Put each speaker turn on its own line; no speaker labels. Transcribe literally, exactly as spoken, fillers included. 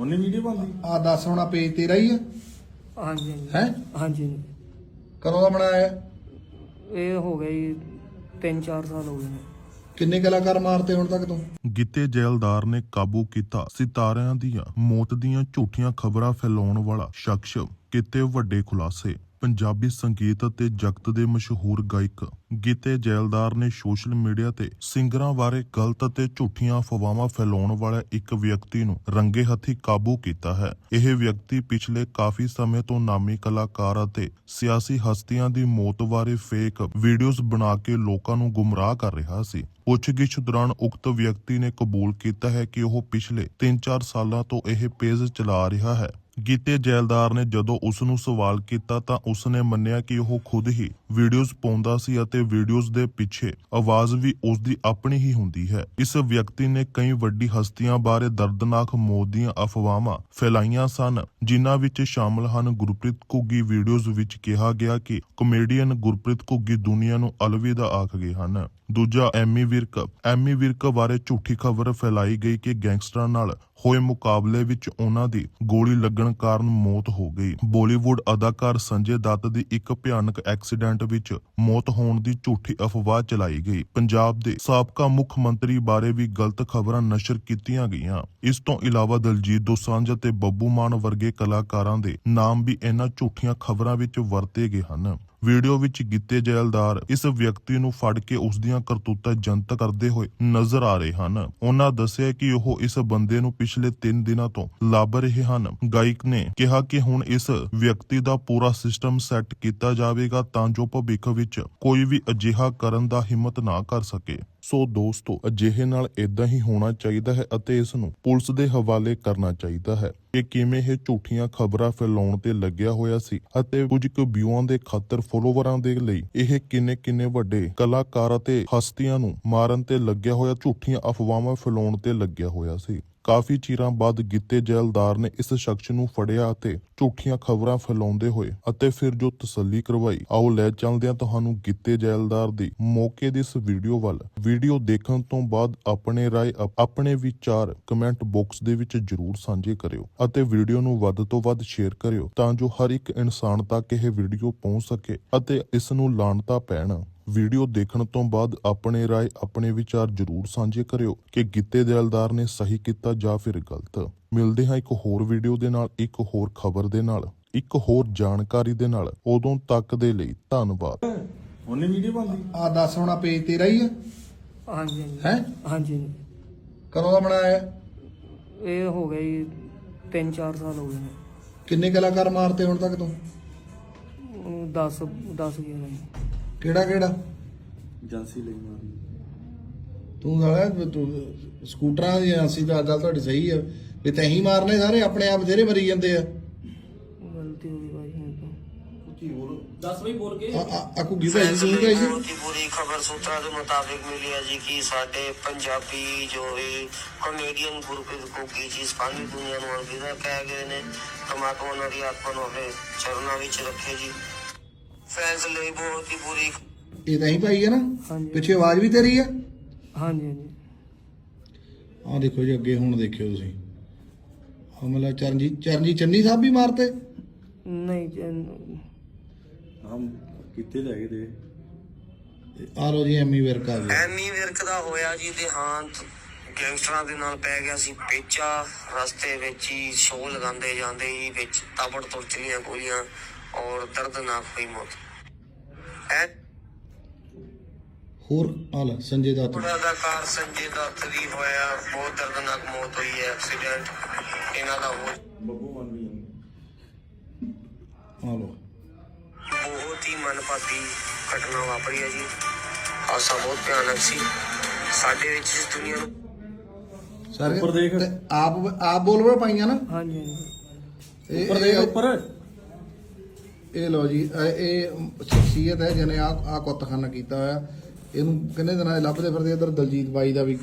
ਉਹਨੇ ਵੀਡੀਓ ਪਾਉਂਦੀ
ਆ ਦੱਸ ਹੁਣ ਪੇਜ ਤੇਰਾ ਹੀ ਆ
ਹਾਂਜੀ
ਹੈ
ਹਾਂਜੀ
ਕਦੋਂ ਦਾ ਬਣਾਇਆ
ਇਹ ਹੋ ਗਿਆ ਜੀ ਤਿੰਨ ਚਾਰ ਸਾਲ ਹੋ ਗਏ ਨੇ।
ਕਿੰਨੇ ਕਲਾਕਾਰ ਮਾਰਤੇ ਹੁਣ ਤੱਕ ਤੂੰ?
ਗਿੱਤੇ ਜੈਲਦਾਰ ਨੇ ਕਾਬੂ ਕੀਤਾ ਸਿਤਾਰਿਆਂ ਦੀਆਂ ਮੌਤ ਦੀਆਂ ਝੂਠੀਆਂ ਖਬਰਾਂ ਫੈਲਾਉਣ ਵਾਲਾ ਸ਼ਖਸ। ਕੀਤੇ ਵੱਡੇ ਖੁਲਾਸੇ। ਪੰਜਾਬੀ ਸੰਗੀਤ ਅਤੇ ਜਗਤ ਦੇ ਮਸ਼ਹੂਰ ਗਾਇਕ ਗਿੱਤੇ ਜੈਲਦਾਰ ਨੇ ਸੋਸ਼ਲ ਮੀਡੀਆ ਤੇ ਸਿੰਗਰਾਂ ਬਾਰੇ ਗਲਤ ਅਤੇ ਝੂਠੀਆਂ ਅਫਵਾਹਾਂ ਫੈਲਾਉਣ ਵਾਲੇ ਇੱਕ ਵਿਅਕਤੀ ਨੂੰ ਰੰਗੇ ਹੱਥੀਂ ਕਾਬੂ ਕੀਤਾ ਹੈ। ਇਹ ਵਿਅਕਤੀ ਪਿਛਲੇ ਕਾਫੀ ਸਮੇਂ ਤੋਂ ਨਾਮੀ ਕਲਾਕਾਰ ਅਤੇ ਸਿਆਸੀ ਹਸਤੀਆਂ ਦੀ ਮੌਤ ਬਾਰੇ ਫੇਕ ਵੀਡੀਓਜ਼ ਬਣਾ ਕੇ ਲੋਕਾਂ ਨੂੰ ਗੁੰਮਰਾਹ ਕਰ ਰਿਹਾ ਸੀ। ਪੁੱਛਗਿੱਛ ਦੌਰਾਨ ਉਕਤ ਵਿਅਕਤੀ ਨੇ ਕਬੂਲ ਕੀਤਾ ਹੈ ਕਿ ਉਹ ਪਿਛਲੇ ਤਿੰਨ ਚਾਰ ਸਾਲਾਂ ਤੋਂ ਇਹ ਪੇਜ ਚਲਾ ਰਿਹਾ ਹੈ। ਗਿੱਤੇ ਜੈਲਦਾਰ ਨੇ ਜਦੋਂ ਉਸ ਨੂੰ ਸਵਾਲ ਕੀਤਾ ਤਾਂ ਉਸ ਨੇ ਮੰਨਿਆ ਕਿ ਉਹ ਖੁਦ ਹੀ ਵੀਡੀਓਜ਼ ਪਾਉਂਦਾ ਸੀ ਅਤੇ ਵੀਡੀਓਜ਼ ਦੇ ਪਿੱਛੇ ਆਵਾਜ਼ ਵੀ ਉਸ ਦੀ ਆਪਣੀ ਹੀ ਹੁੰਦੀ ਹੈ। ਇਸ ਵਿਅਕਤੀ ਨੇ ਕਈ ਵੱਡੀ ਹਸਤੀਆਂ ਬਾਰੇ ਦਰਦਨਾਕ ਮੌਤ ਦੀਆਂ ਅਫਵਾਹਾਂ ਫੈਲਾਈਆਂ ਸਨ, ਜਿਨ੍ਹਾਂ ਵਿੱਚ ਸ਼ਾਮਲ ਹਨ ਗੁਰਪ੍ਰੀਤ ਘੁੱਗੀ। ਵੀਡੀਓਜ਼ ਵਿੱਚ ਕਿਹਾ ਗਿਆ ਕਿ ਕਾਮੇਡੀਅਨ ਗੁਰਪ੍ਰੀਤ ਘੁੱਗੀ ਦੁਨੀਆ ਨੂੰ ਅਲਵਿਦਾ ਆਖ ਗਏ ਹਨ। ਦੂਜਾ ਐਮੀ ਵਿਰਕ। ਐਮੀ ਵਿਰਕ ਬਾਰੇ ਝੂਠੀ ਖਬਰ ਫੈਲਾਈ ਗਈ ਕਿ ਗੈਂਗਸਟਰਾਂ ਨਾਲ ਹੋਏ ਮੁਕਾਬਲੇ ਵਿੱਚ ਉਹਨਾਂ ਦੀ ਗੋਲੀ ਲੱਗਣ ਕਾਰਨ ਮੌਤ ਹੋ ਗਈ। ਬਾਲੀਵੁੱਡ ਅਦਾਕਾਰ ਸੰਜੇ ਦੱਤ ਦੀ ਇੱਕ ਭਿਆਨਕ ਐਕਸੀਡੈਂਟ ਵਿੱਚ ਮੌਤ ਹੋਣ ਦੀ ਝੂਠੀ ਅਫਵਾਹ ਚਲਾਈ ਗਈ। ਪੰਜਾਬ ਦੇ ਸਾਬਕਾ ਮੁੱਖ ਮੰਤਰੀ ਬਾਰੇ ਵੀ ਗਲਤ ਖਬਰਾਂ ਨਸ਼ਰ ਕੀਤੀਆਂ ਗਈਆਂ। ਇਸ ਤੋਂ ਇਲਾਵਾ ਦਲਜੀਤ ਦੋਸਾਂਝ ਅਤੇ ਬੱਬੂ ਮਾਨ ਵਰਗੇ ਕਲਾਕਾਰਾਂ ਦੇ ਨਾਮ ਵੀ ਇਹਨਾਂ ਝੂਠੀਆਂ ਖਬਰਾਂ ਵਿੱਚ ਵਰਤੇ ਗਏ ਹਨ। ਵੀਡੀਓ ਵਿੱਚ ਗਿੱਤੇ ਜੈਲਦਾਰ ਇਸ ਵਿਅਕਤੀ ਨੂੰ ਫੜ ਕੇ ਉਸ ਦੀਆਂ ਕਰਤੂਤਾਂ ਜਨਤਕ ਕਰਦੇ ਹੋਏ ਨਜ਼ਰ ਆ ਰਹੇ ਹਨ। ਉਹਨਾਂ ਦੱਸਿਆ ਕਿ ਉਹ ਇਸ ਬੰਦੇ ਨੂੰ ਪਿਛਲੇ ਤਿੰਨ ਦਿਨਾਂ ਤੋਂ ਲੱਭ ਰਹੇ ਹਨ। ਗਾਇਕ ਨੇ ਕਿਹਾ ਕਿ ਹੁਣ ਇਸ ਵਿਅਕਤੀ ਦਾ ਪੂਰਾ ਸਿਸਟਮ ਸੈੱਟ ਕੀਤਾ ਜਾਵੇਗਾ ਤਾਂ ਜੋ ਭਵਿੱਖ ਵਿੱਚ ਕੋਈ ਵੀ ਅਜਿਹਾ ਕਰਨ ਦਾ ਹਿੰਮਤ ਨਾ ਕਰ ਸਕੇ। ਸੋ ਦੋਸਤੋ, ਅਜਿਹੇ ਨਾਲ ਇਦਾਂ ਹੀ ਹੋਣਾ ਚਾਹੀਦਾ ਹੈ ਅਤੇ ਇਸ ਨੂੰ ਪੁਲਿਸ ਦੇ ਹਵਾਲੇ ਕਰਨਾ ਚਾਹੀਦਾ ਹੈ ਕਿ ਕਿਵੇਂ ਇਹ ਝੂਠੀਆਂ ਖਬਰਾਂ ਫੈਲਾਉਣ ਤੇ ਲੱਗਿਆ ਹੋਇਆ ਸੀ ਅਤੇ ਕੁਝ ਕੁ ਵਿਊਆਂ ਦੇ ਖਾਤਰ ਫੋਲੋਵਰਾਂ ਦੇ ਲਈ ਇਹ ਕਿੰਨੇ ਕਿੰਨੇ ਵੱਡੇ ਕਲਾਕਾਰ ਅਤੇ ਹਸਤੀਆਂ ਨੂੰ ਮਾਰਨ ਤੇ ਲੱਗਿਆ ਹੋਇਆ ਝੂਠੀਆਂ ਅਫਵਾਹਾਂ ਫੈਲਾਉਣ ਤੇ ਲੱਗਿਆ ਹੋਇਆ ਸੀ। ਕਾਫੀ ਚਿਰਾਂ ਬਾਅਦ ਗਿੱਤੇ ਜੈਲਦਾਰ ਨੇ ਇਸ ਸ਼ਖਸ ਨੂੰ ਫੜਿਆ ਅਤੇ ਝੂਠੀਆਂ ਖਬਰਾਂ ਫੈਲਾਉਂਦੇ ਹੋਏ ਅਤੇ ਫਿਰ ਜੋ ਤਸੱਲੀ ਕਰਵਾਈ। ਆਓ ਲੈ ਚੱਲਦੇ ਹਾਂ ਤੁਹਾਨੂੰ ਗਿੱਤੇ ਜੈਲਦਾਰ ਦੀ ਮੌਕੇ ਦੀ ਇਸ ਵੀਡੀਓ ਵੱਲ। ਵੀਡੀਓ ਦੇਖਣ ਤੋਂ ਬਾਅਦ ਆਪਣੇ ਰਾਏ ਆਪਣੇ ਵਿਚਾਰ ਕਮੈਂਟ ਬਾਕਸ ਦੇ ਵਿੱਚ ਜਰੂਰ ਸਾਂਝੇ ਕਰਿਓ ਅਤੇ ਵੀਡੀਓ ਨੂੰ ਵੱਧ ਤੋਂ ਵੱਧ ਸ਼ੇਅਰ ਕਰਿਓ ਤਾਂ ਜੋ ਹਰ ਇੱਕ ਇਨਸਾਨ ਤੱਕ ਇਹ ਵੀਡੀਓ ਪਹੁੰਚ ਸਕੇ ਅਤੇ ਇਸ ਨੂੰ ਲਾਣਤਾ ਪੈਣ। ਵੀਡੀਓ ਦੇਖਣ ਤੋਂ ਬਾਅਦ ਆਪਣੇ ਰਾਏ ਆਪਣੇ ਵਿਚਾਰ ਜਰੂਰ ਸਾਂਝੇ ਕਰਿਓ ਕਿ ਗਿੱਤੇ ਜੈਲਦਾਰ ਨੇ ਸਹੀ ਕੀਤਾ ਜਾਂ ਫਿਰ ਗਲਤ। ਮਿਲਦੇ ਹਾਂ ਇੱਕ ਹੋਰ ਵੀਡੀਓ ਦੇ ਨਾਲ, ਇੱਕ ਹੋਰ ਖਬਰ ਦੇ ਨਾਲ, ਇੱਕ ਹੋਰ ਜਾਣਕਾਰੀ ਦੇ ਨਾਲ। ਉਦੋਂ ਤੱਕ ਦੇ ਲਈ ਧੰਨਵਾਦ।
ਉਹਨੇ ਵੀਡੀਓ ਪਾਉਂਦੀ
ਆ ਦੱਸ ਹੁਣ ਪੇਜ ਤੇਰਾ ਹੀ ਆ
ਹਾਂਜੀ
ਹੈ
ਹਾਂਜੀ
ਕਦੋਂ ਦਾ ਬਣਾਇਆ
ਇਹ ਹੋ ਗਿਆ ਜੀ ਤਿੰਨ ਚਾਰ ਸਾਲ ਹੋ ਗਏ ਨੇ।
ਕਿੰਨੇ ਕਲਾਕਾਰ ਮਾਰਤੇ ਹੁਣ ਤੱਕ ਤੂੰ?
ਦਸ ਦਸ ਗਏ ਨੇ।
ਕਿਹੜਾ ਕਿਹੜਾ
ਏਜੰਸੀ ਲਈ ਮਾਰੀ
ਤੂੰ ਸਾਲਾ ਤੂੰ ਸਕੂਟਰਾਂ ਦੀ ਏਜੰਸੀ ਦਾ ਗੱਲ ਤੁਹਾਡੀ ਸਹੀ ਆ ਵੀ ਤੈਂ ਹੀ ਮਾਰਨੇ ਸਾਰੇ, ਆਪਣੇ ਆਪ ਬਥੇਰੇ ਮਰੀ ਜਾਂਦੇ ਆ।
ਗਲਤੀ ਹੋ ਗਈ ਭਾਈ ਹੁਣ ਤਾਂ।
दस वही बोल के
ਆ ਘੁੱਗੀ ਭਾਈ ਜੀ ਤੂੰ ਕਹੀ ਸੀ
बहुत ही बुरी खबर सूत्रों के मुताबिक मिली है जी कि साडे पंजाबी जो है कॉमेडियन गुरप्रीत घुग्गी जी सारी दुनिया ਨੂੰ ਅਲਵਿਦਾ ਕਹਿ ਗਏ ਨੇ। ਪਰਮਾਤਮਾ ਉਹਨਾਂ ਦੀ ਆਤਮਾ ਨੂੰ ਆਪਣੇ ਚਰਨਾਂ ਵਿੱਚ ਰੱਖੇ ਜੀ। ਫੈਨਸ ਲਈ ਬਹੁਤ ਹੀ ਬੁਰੀ।
ਇਹ ਤਾਂ ਹੀ ਭਾਈ ਆ ਨਾ,
ਹਾਂਜੀ
ਪਿੱਛੇ ਆਵਾਜ਼ ਵੀ ਤੇਰੀ ਆ।
ਹਾਂਜੀ ਹਾਂਜੀ
ਆ ਦੇਖੋ ਜੀ ਅੱਗੇ ਹੁਣ ਦੇਖਿਓ ਤੁਸੀਂ ਹਮਲਾ ਚਰਨਜੀਤ ਚਰਨਜੀਤ ਚੰਨੀ ਸਾਹਿਬ ਵੀ ਮਾਰਤੇ।
ਨਹੀਂ ਜੀ,
ਹਮ ਕਿੱਥੇ ਲੈ ਗਏ ਤੇ
ਆ ਲੋ ਜੀ ਐਮੀ ਵਿਰਕ ਆ ਗਿਆ।
ਐਮੀ ਵਿਰਕ ਦਾ ਹੋਇਆ ਜੀ ਦੇਹਾਂਤ। ਗੈਂਗਸਟਰਾਂ ਦੇ ਨਾਲ ਪੈ ਗਿਆ ਸੀ ਪੇਚਾ। ਰਸਤੇ ਵਿੱਚ ਹੀ ਸ਼ੋਅ ਲਗਾਉਂਦੇ ਜਾਂਦੇ ਹੀ ਵਿੱਚ ਤਾਬੜ ਤੋੜ ਚਲੀਆਂ ਗੋਲੀਆਂ ਔਰ ਦਰਦਨਾਕ ਹੋਈ ਮੌਤ। ਐ
ਹੋਰ ਆ ਲੈ ਸੰਜੇ ਦੱਤ
ਅਦਾਕਾਰ ਸੰਜੇ ਦੱਤ ਦੀ ਹੋਇਆ ਬਹੁਤ ਦਰਦਨਾਕ ਮੌਤ ਹੋਈ ਹੈ। ਐਕਸੀਡੈਂਟ ਇਹਨਾਂ ਦਾ ਹੋ
ਬੱਬੂ ਮਾਨ ਵੀ
ਆ ਲੋ
ਬਹੁਤ ਹੀ ਮਨਪਾਤੀ ਘਟਨਾ ਵਾਪਰੀ ਹੈ ਜੀ। ਹਾਦਸਾ ਬਹੁਤ ਭਿਆਨਕ ਸੀ। ਸਾਡੇ ਵਿੱਚ ਇਸ ਦੁਨੀਆ ਨੂੰ
ਸਾਰੇ
ਉੱਪਰ ਦੇਖ।
ਤੇ ਆਪ ਆਪ ਬੋਲਵੇ ਪਾਈਆਂ ਨਾ।
ਹਾਂਜੀ ਹਾਂਜੀ
ਇਹ-
ਉੱਪਰ ਦੇਖ
ਇਹ-
ਉੱਪਰ।
ਇਹ ਲੋ ਜੀ ਇਹ- ਇਹ ਸ਼ਖਸੀਅਤ ਹੈ ਜਿਹਨੇ ਆ ਆ ਕੁੱਤਖਾਨਾ ਕੀਤਾ ਹੋਇਆ। ਇਹਨੂੰ ਕਿੰਨੇ ਦਿਨਾਂ ਦੇ ਲੱਭਦੇ ਫਿਰਦੇ। ਇੱਧਰ ਦਲਜੀਤ ਬਾਈ ਦਾ ਵੀ